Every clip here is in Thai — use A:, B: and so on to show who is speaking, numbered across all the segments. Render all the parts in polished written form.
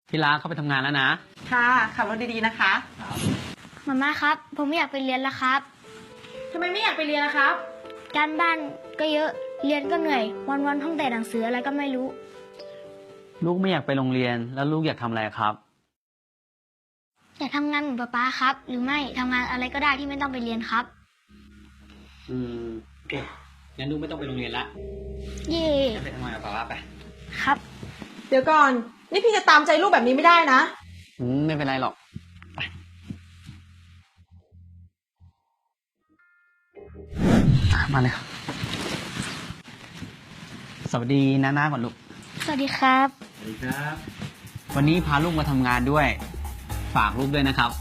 A: พี่รักเข้าไปทำงานแล้วนะ
B: ค่ะขับรถดีๆนะคะ
C: มาม่าครับผมไม่อยากไปเรียนแล้วครับ
B: ทำไมไม่อยากไปเรียนล่ะครับ
C: การบ้านก็เยอะเรียนก็เหนื่อยวันๆท่องแต่หนังสืออะไรก็ไม่รู้
A: ลูกไม่อยากไปโรงเรียนแล้วลูกอยากทำอะไรครับ
C: อยากทำงานเหมือนป๊าครับหรือไม่ทำงานอะไรก็ได้ที่ไม่ต้องไปเรียนครับ
A: โอเคงั้นลูกไม่ต้องไปโรงเรียนละ
C: เย่
A: ไปทำงานกับป๊าไป
C: ครับ
B: เดี๋ยวก่อนนี่พี่จะตามใจลูกแบบนี้ไม่ได้นะ
A: ไม่เป็นไรหรอกไปมาเลยครับสวัสดีน้าก่อนลูก
C: สวัสดีครับ
A: สวัสดีครับวันนี้พาลูกมาทำงานด้วยฝากลูกด้วยนะครับ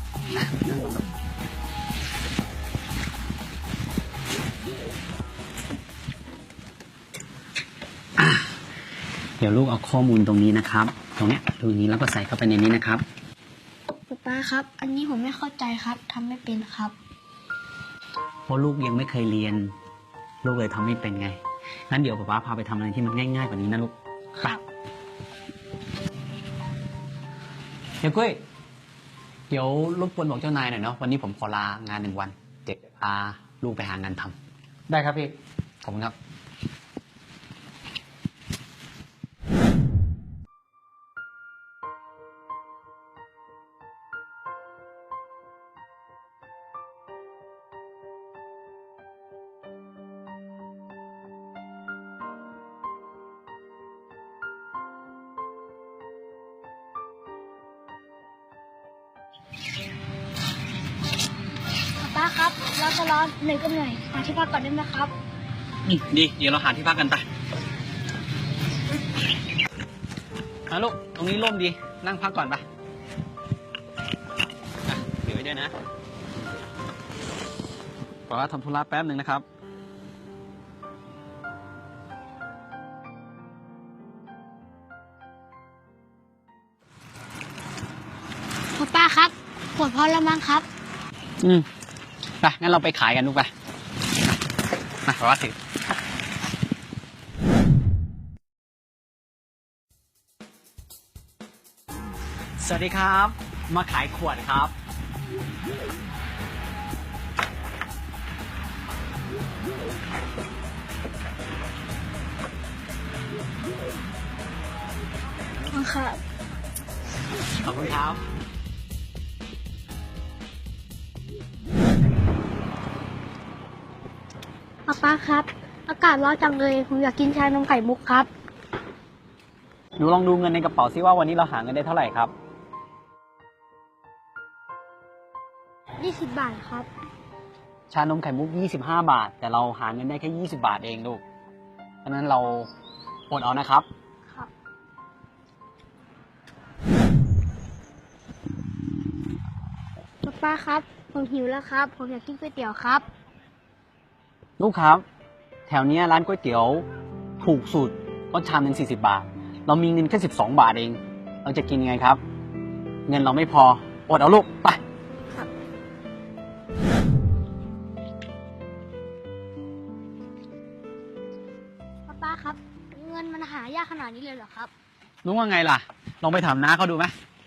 A: เดี๋ยวลูกเอาข้อมูลตรงนี้นะครับตรงเนี้ยตรงนี้แล้วก็ใส่เข้าไปในนี้นะครับ
C: ป๊าครับอันนี้ผมไม่เข้าใจครับทำไม่เป็นครับ
A: เพราะลูกยังไม่เคยเรียนลูกเลยทำไม่เป็นไงงั้นเดี๋ยวป๊าพาไปทำอะไรที่มันง่ายๆกว่านี้นะลูก
C: ครับ
A: เดี๋ยวกุ้ยเดี๋ยวรบกวนบอกเจ้านายหน่อยเนาะวันนี้ผมขอลางาน1 วันเด็กพาลูกไปหางานทำได้ครับพี่ขอบคุณครับ
C: ป๊าครับร้อนก็ร้อนเหนื่อยก็เหนื่อยหาที่พักก่อนได้ไหมครับ
A: ดีเดี๋ยวเราหาที่พักกันไปลูกตรงนี้ร่มดีนั่งพักก่อนไปเดี๋ยวไว้ด้วยนะขอทำธุระแป๊บหนึ่งนะครับ
C: ป๊าครับปวดพอแล้วมั้งครับ
A: ไปงั้นเราไปขายกันลูกไปมาขอว่าสิสวัสดีครับมาขายขวดครับ
C: ครับ
A: ขอบคุณครับ
C: ป๊าครับอากาศร้อนจังเลยผมอยากกินชานมไข่มุกครับ
A: หนูลองดูเงินในกระเป๋าซิว่าวันนี้เราหาเงินได้เท่าไหร่ครับ
C: 20 บาทครับ
A: ชานมไข่มุก25 บาทแต่เราหาเงินได้แค่20 บาทเองลูกเพราะนั้นเราอดเอานะครับ
C: ครับป๊าครับผมหิวแล้วครับผมอยากกินก๋วยเตี๋ยวครับ
A: ลูกครับแถวนี้ร้านก๋วยเตี๋ยวถูกสุดก็ชามนึง40 บาทเรามีเงินแค่12 บาทเองเราจะกินไงครับเงินเราไม่พออดเอาลูกไป
C: ป๊าครับเงินมันหายากขนาดนี้เลยเหรอครับ
A: รู้ว่าไงล่ะลองไปถามน้าเขาดูไหม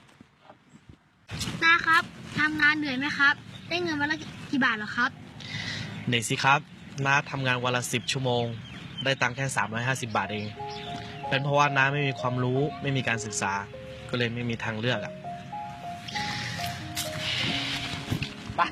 C: น้าครับทำงานเหนื่อยไหมครับได้เงินวันละกี่บาทเหรอครับ
D: เหนื่อยสิครับน้าทำงานวันละ10 ชั่วโมงได้ตังค์แค่350 บาทเองเป็นเพราะว่าน้าไม่มีความรู้ไม่มีการศึกษาก็เลยไม่มีทางเลือก
A: ไป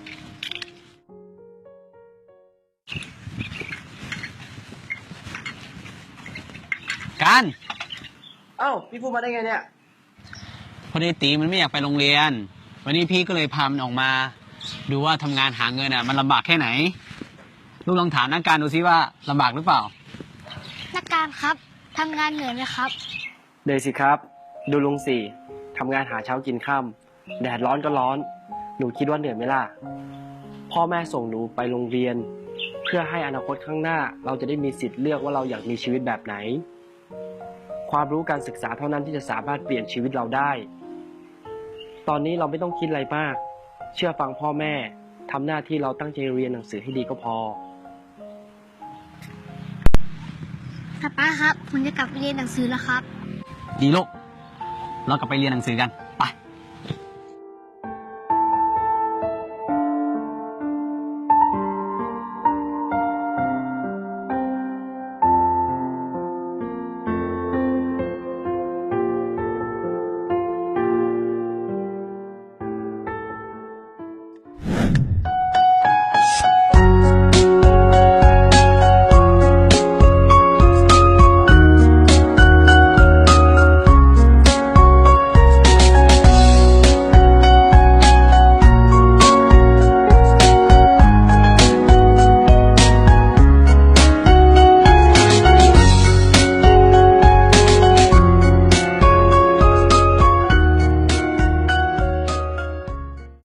A: การ
E: เอ้าพี่พูดมาได้ไงเนี่ย
A: พอดีตีมันไม่อยากไปโรงเรียนวันนี้พี่ก็เลยพามันออกมาดูว่าทำงานหาเงินมันลำบากแค่ไหนลูกลองถามนักการดูซิว่าลำบากหรือเปล่า
C: นักการครับทำงานเหนื่อยไหมครับ
E: เหนื่อยสิครับดูลุงสี่ทำงานหาเช้ากินค่ำแดดร้อนก็ร้อนหนูคิดว่าเหนื่อยไหมล่ะพ่อแม่ส่งหนูไปโรงเรียนเพื่อให้อนาคตข้างหน้าเราจะได้มีสิทธิ์เลือกว่าเราอยากมีชีวิตแบบไหนความรู้การศึกษาเท่านั้นที่จะสามารถเปลี่ยนชีวิตเราได้ตอนนี้เราไม่ต้องคิดอะไรมากเชื่อฟังพ่อแม่ทำหน้าที่เราตั้งใจเรียนหนังสือให้ดีก็พอ
C: ป๊าครับผมจะกลับไปเรียนหนังสือแล้วครับ
A: ดีลูกเรากลับไปเรียนหนังสือกัน ไป